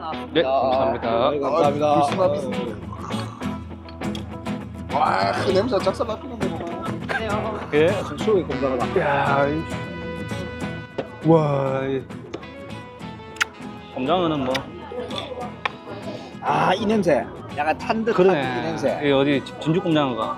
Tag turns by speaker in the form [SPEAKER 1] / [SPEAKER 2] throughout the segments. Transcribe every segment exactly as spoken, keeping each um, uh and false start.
[SPEAKER 1] 네, 감사합니다.
[SPEAKER 2] 네, 감사합니다.
[SPEAKER 3] 불순합니다. 와, 그 냄새 작살 나피는데 뭐.
[SPEAKER 1] 예.
[SPEAKER 2] 수록이 꼼장하다.
[SPEAKER 1] 야, 이... 와, 이... 꼼장어는 뭐
[SPEAKER 2] 아, 이 냄새. 약간 탄 듯한
[SPEAKER 1] 그러네.
[SPEAKER 2] 이 냄새.
[SPEAKER 1] 이 어디 진주 꼼장어가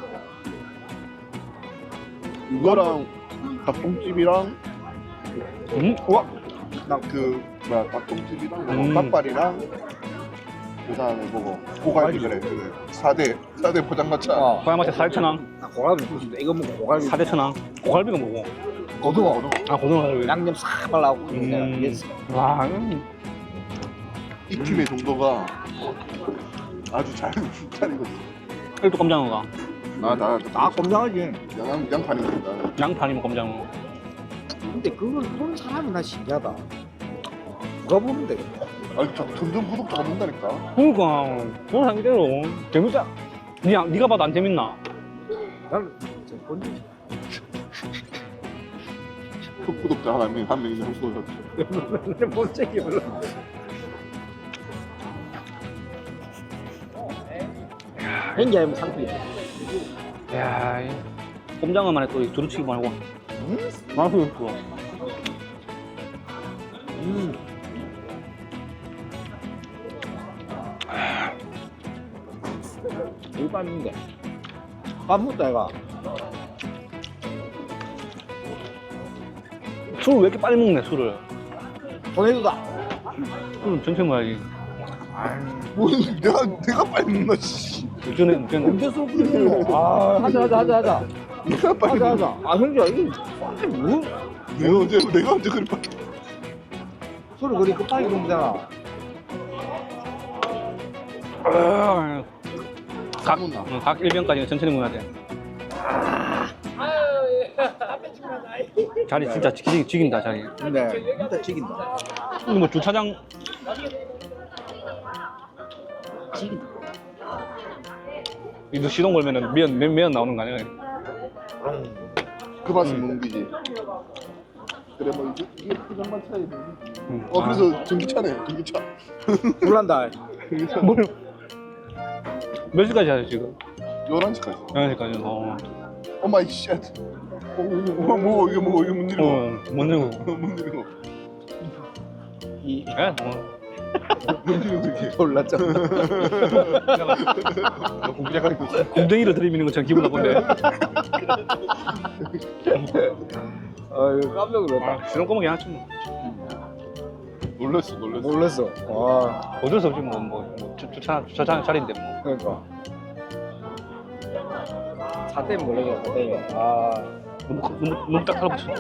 [SPEAKER 3] 이거랑 닭똥집이랑
[SPEAKER 1] 음, 와,
[SPEAKER 3] 그 뭐야 닭똥집이랑
[SPEAKER 1] 음.
[SPEAKER 3] 닭발이랑 그다음에 뭐고 고갈비 그래 그래 사대 사대 포장마차
[SPEAKER 2] 어.
[SPEAKER 1] 고양마차 사천 원,
[SPEAKER 2] 나 고갈비 먹고 싶다. 이거 먹고 고갈비.
[SPEAKER 1] 사대 천 원. 고갈비가 뭐고?
[SPEAKER 3] 고등어 고등어
[SPEAKER 1] 아, 고등어.
[SPEAKER 2] 양념 싹 발라고.
[SPEAKER 1] 음. 와, 음.
[SPEAKER 3] 익힘의 정도가 아주 잘 잘이거든.
[SPEAKER 1] 이것도 꼼장어가.
[SPEAKER 3] 나나
[SPEAKER 2] 아, 꼼장하지.
[SPEAKER 3] 양양 양파니까.
[SPEAKER 1] 양파니면 꼼장어.
[SPEAKER 2] 근데 그걸 보는 사람이 나 신기하다. 누가 보면 되겠다.
[SPEAKER 3] 아니 저 점점 구독자가 는다니까.
[SPEAKER 1] 그러니까 그런 사람 이대로 재밌다. 니가 니가 봐도 안 재밌나?
[SPEAKER 2] 나는 진짜 본지.
[SPEAKER 3] 구독자 한 명, 한 명이면 한 구독자.
[SPEAKER 2] 본 적이 별로. 행기 아니면 상품이.
[SPEAKER 1] 야, 이 꼼장어만에 또 두루치기 말고.
[SPEAKER 2] 음?
[SPEAKER 1] 맛이 있어.
[SPEAKER 2] 음. 이 빤인데. 밥 묻다 이가.
[SPEAKER 1] 술을 왜 이렇게 빨리 먹네, 술을.
[SPEAKER 2] 보내주다.
[SPEAKER 1] 술은 천천히 먹어야지.
[SPEAKER 3] 뭐 내가 내가 빨리 먹나 씨.
[SPEAKER 1] 전에, 전에.
[SPEAKER 2] 언제 술 끓이노? 아, 하자 하자 하자 하자.
[SPEAKER 3] 내가 빨리
[SPEAKER 2] 하자
[SPEAKER 3] 먹나.
[SPEAKER 2] 하자. 아 형제야 이거 빨리 뭐?
[SPEAKER 3] 내가 언제 내가 언제 그리 빨리.
[SPEAKER 2] 술을 그리 급하게 먹잖아.
[SPEAKER 1] 각, 응, 각 일 병까지는 천천히 먹어야 돼. 자리 진짜 지긴, 지긴다, 자리.
[SPEAKER 2] 근데 진짜 죽인다.
[SPEAKER 1] 근데 뭐 주차장,
[SPEAKER 2] 죽인다.
[SPEAKER 1] 이거 시동 걸면은 면, 면, 면 나오는 거 아니야?
[SPEAKER 3] 그 맛은 뭉비지. 그래 뭐 이게 이게 포장마차에.
[SPEAKER 1] 응.
[SPEAKER 3] 어 그래서 전기차네 전기차.
[SPEAKER 2] 놀란다.
[SPEAKER 3] 전기차.
[SPEAKER 1] 뭘, 몇 시까지 하죠, 지금?
[SPEAKER 3] 열한 시까지.
[SPEAKER 1] 열한 시까지. 어.
[SPEAKER 3] 오 마이 쉣. 오, 오, 뭐 이게 뭐 이게 뭔 일이고?
[SPEAKER 1] 어, 못 내고.
[SPEAKER 3] 뭔 일이고?
[SPEAKER 2] 이
[SPEAKER 1] 예? 어.
[SPEAKER 3] 뭔 일이고 이게?
[SPEAKER 2] 놀랐잖아.
[SPEAKER 3] 공작하는 거.
[SPEAKER 1] 곰댕이를 들이미는 것처럼 기분 나쁜데.
[SPEAKER 2] 아유 깜짝 놀랐다.
[SPEAKER 1] 아, 시동 꺼먹기 하지 뭐.
[SPEAKER 3] 놀랐어 놀랐어.
[SPEAKER 2] 놀랐어. 와
[SPEAKER 1] 어쩔 수 없지, 뭐, 뭐, 뭐 주, 주차, 주차장 자리인데, 뭐.
[SPEAKER 2] 그러니까. 차 때문에 놀라겠다. 차 때문에. 아.
[SPEAKER 1] 너무, 너무, 너무 딱 달라붙였어.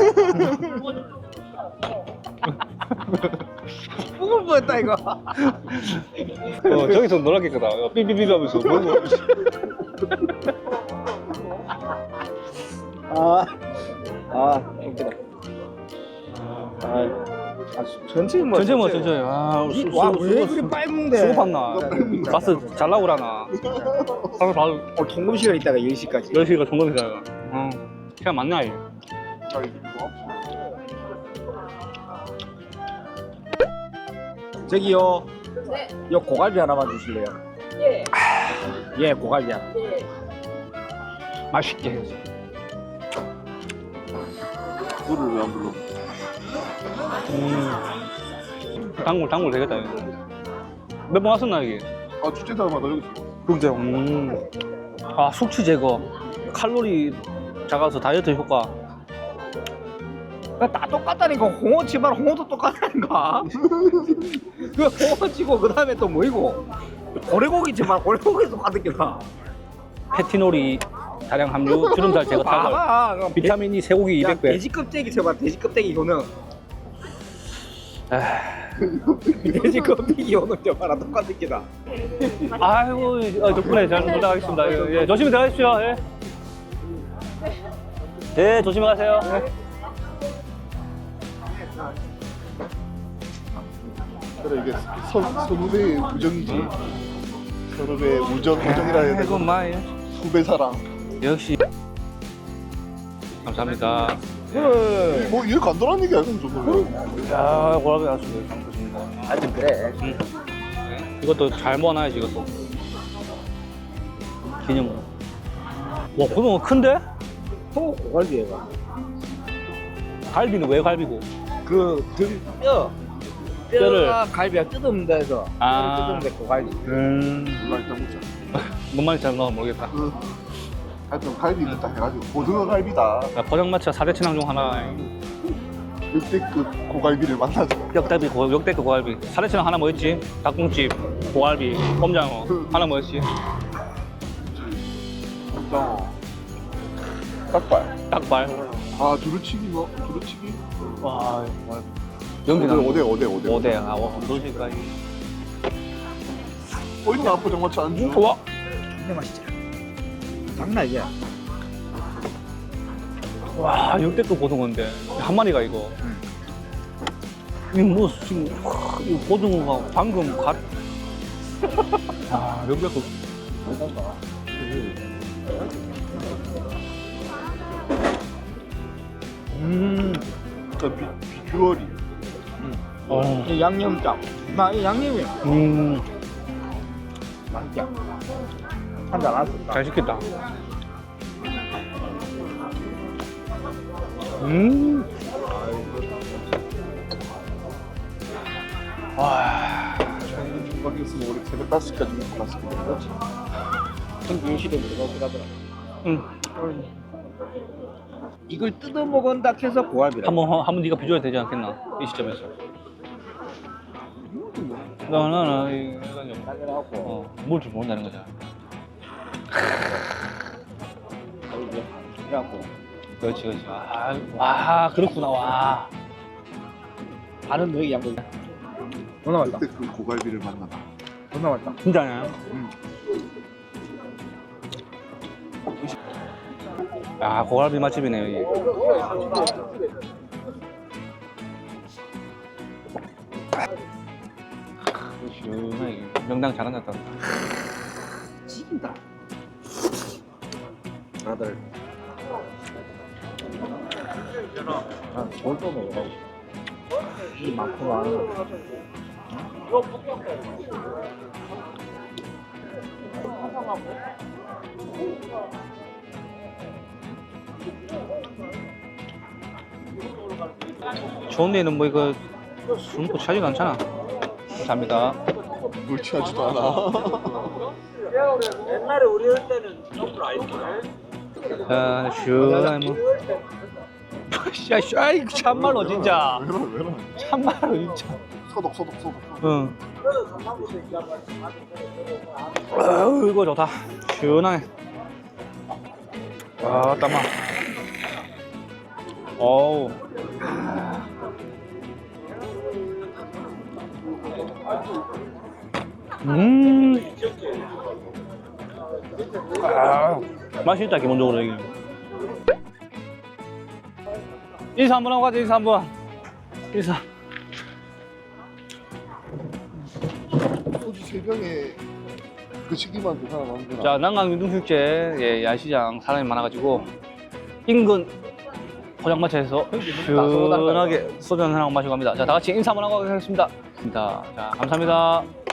[SPEAKER 2] 죽을 뻔했다 이거.
[SPEAKER 1] 어, 저기서 놀랐겠다. 삐삐삐 하면서. 뭐, 뭐.
[SPEAKER 2] 아. 아 웃기다. 아. 아 천천히 먹어.
[SPEAKER 1] 천천히 먹어, 천천히. 아, 수, 수,
[SPEAKER 2] 와왜
[SPEAKER 1] 수,
[SPEAKER 2] 그리 빨리 먹네.
[SPEAKER 1] 수고 봤나? 가스 잘 나오라나. 바로 바로
[SPEAKER 2] 어 통금 시간 있다가 열 시까지.
[SPEAKER 1] 열 시가 종검이잖아. 어, 시간 맞나, 이게?
[SPEAKER 3] 자 이거
[SPEAKER 2] 저기요.
[SPEAKER 4] 네.
[SPEAKER 2] 요 고갈비 하나만 주실래요?
[SPEAKER 4] 예.
[SPEAKER 2] 예 고갈비 하나.
[SPEAKER 4] 예.
[SPEAKER 1] 맛있게 해서.
[SPEAKER 3] 물을 왜 안 불러?
[SPEAKER 1] 음. 단골, 단골 되겠다, 이거. 몇 번 왔었나, 이게?
[SPEAKER 3] 아 축제 때마다 여기 있어.
[SPEAKER 1] 그죠. 음. 아, 숙취 제거. 칼로리 작아서 다이어트 효과.
[SPEAKER 2] 다 똑같다니까. 홍어치만 홍어도 똑같다니까. 그 홍어치고 그 다음에 또 뭐이고 고래고기지만 고래고기 똑같은 게다.
[SPEAKER 1] 페티놀이 다량 함유, 주름살 제거 타결.
[SPEAKER 2] 봐봐.
[SPEAKER 1] 비타민 E 쇠고기 이백 배.
[SPEAKER 2] 돼지 껍데기 쳐봐. 돼지 껍데기 효능.
[SPEAKER 1] 아,
[SPEAKER 2] 돼지 껍데기 효능 저봐라 똑같은 게다.
[SPEAKER 1] 아이고, 어, 덕분에 잘 놀다 가겠습니다. 예, 예, 조심히 들어가십시오. 예. 네, 조심히 가세요. 예.
[SPEAKER 3] 그래 이게 선 선후배의 우정이지. 선후배의 우정 우정이라 해야
[SPEAKER 1] 아이고,
[SPEAKER 3] 되나?
[SPEAKER 1] 마이.
[SPEAKER 3] 후배 사랑.
[SPEAKER 1] 역시. 감사합니다.
[SPEAKER 2] 그래.
[SPEAKER 3] 뭐 이해 간단한 얘기 아니야 저거.
[SPEAKER 1] 야, 고라비 왔습니다. 잘 먹겠습니다.
[SPEAKER 2] 하여튼 그래.
[SPEAKER 1] 응. 이것도 잘 모아놔야지 이것도. 기념으로. 와 고등어 큰데?
[SPEAKER 2] 소 고갈비 얘가.
[SPEAKER 1] 갈비는 왜 갈비고?
[SPEAKER 2] 그등 뼈.
[SPEAKER 1] 뼈를.
[SPEAKER 2] 뼈가 갈비가 뜯어먹는다 해서
[SPEAKER 1] 아.
[SPEAKER 2] 뼈를 뜯어먹는데 고갈비.
[SPEAKER 1] 음.
[SPEAKER 3] 몰라 일단 먹자.
[SPEAKER 1] 뭔 말인지 잘 모르겠다.
[SPEAKER 3] 그 하여튼 갈비 있다 해가지고 고등어 갈비다.
[SPEAKER 1] 자, 포장마차 사 대 친왕 중 하나.
[SPEAKER 3] 역대급 고갈비를 만나자.
[SPEAKER 1] 역대급 고, 역대급 고갈비. 사 대 친왕 하나 뭐였지? 닭공집, 고갈비, 꼼장어. 하나 뭐였지?
[SPEAKER 3] 어. 닭발.
[SPEAKER 1] 닭발.
[SPEAKER 3] 아 두루치기 뭐 두루치기.
[SPEAKER 1] 와,
[SPEAKER 3] 오대
[SPEAKER 1] 연기
[SPEAKER 3] 오대 오대 오대.
[SPEAKER 1] 오대. 아, 와, 도시까지.
[SPEAKER 3] 어 있나 포장마차 안주.
[SPEAKER 1] 좋아.
[SPEAKER 2] 근데 맛있지. 장난 아니야.
[SPEAKER 1] 와, 역대급 고등어인데 한 마리가 이거. 이거 뭐 지금 와, 이 고등어가 방금 갓. 아, 역대급.
[SPEAKER 2] 음.
[SPEAKER 3] 그 비, 비주얼이.
[SPEAKER 1] 어.
[SPEAKER 2] 이 양념장. 나 이 양념이
[SPEAKER 1] 음,
[SPEAKER 2] 맛있지. 한잔 안 썼다.
[SPEAKER 1] 잘 시켰다. 음. 와.
[SPEAKER 3] 거기 있으면 우리 새벽 다섯 시까지 먹고 갔을 거야. 그렇지.
[SPEAKER 2] 형님 시대 그렇게 가더라.
[SPEAKER 1] 응.
[SPEAKER 2] 이걸 뜯어 먹은다 해서 고갈비라.
[SPEAKER 1] 한번 한번 네가 비줘야 되지 않겠나 이 시점에서. 나나나 이거
[SPEAKER 2] 당연하고.
[SPEAKER 1] 어, 뭘줄 모른다는 거잖아.
[SPEAKER 2] 그래갖고
[SPEAKER 1] 그렇지 그렇지. 아, 와 그렇구나 와.
[SPEAKER 2] 반은 너희 양고. 존나 맛있다.
[SPEAKER 3] 역대급 고갈비를 만나다.
[SPEAKER 2] 존나 맛있다.
[SPEAKER 1] 진짜냐?
[SPEAKER 3] 응.
[SPEAKER 1] 야 고갈비 맛집이네 여기. 시원하게 명당 잘한다.
[SPEAKER 2] 지긴다. 다들. 아, 뭘또 먹어? 이 많구나.
[SPEAKER 1] 좋은 데는 뭐 이거 술 먹고 취하지도 않잖아. 감사합니다.
[SPEAKER 3] 물 취하지도 않아.
[SPEAKER 2] 옛날에 우리 할 때는 너무 아이스크림.
[SPEAKER 1] 자 시원하게 뭐. 야, 씨, 아이 참말로 진짜.
[SPEAKER 3] 왜라 왜라.
[SPEAKER 1] 참말로 진짜.
[SPEAKER 3] 소독 소독 소독.
[SPEAKER 1] 응. 아유 이거 좋다. 시원하네. 아 땀아. 어우. 음. 아 맛있다 기본적으로 여기. 인사 한번 하고 가자 인사 한번. 인사.
[SPEAKER 3] 소주 세 병에 그 시기만 그 사람 안 되나?
[SPEAKER 1] 자, 난강 유등축제 예, 야시장 사람이 많아가지고 인근 포장마차에서 시원하게 소주 한잔 하고 마시고 갑니다. 자, 다 같이 인사 한번 하고 가겠습니다. 자, 감사합니다.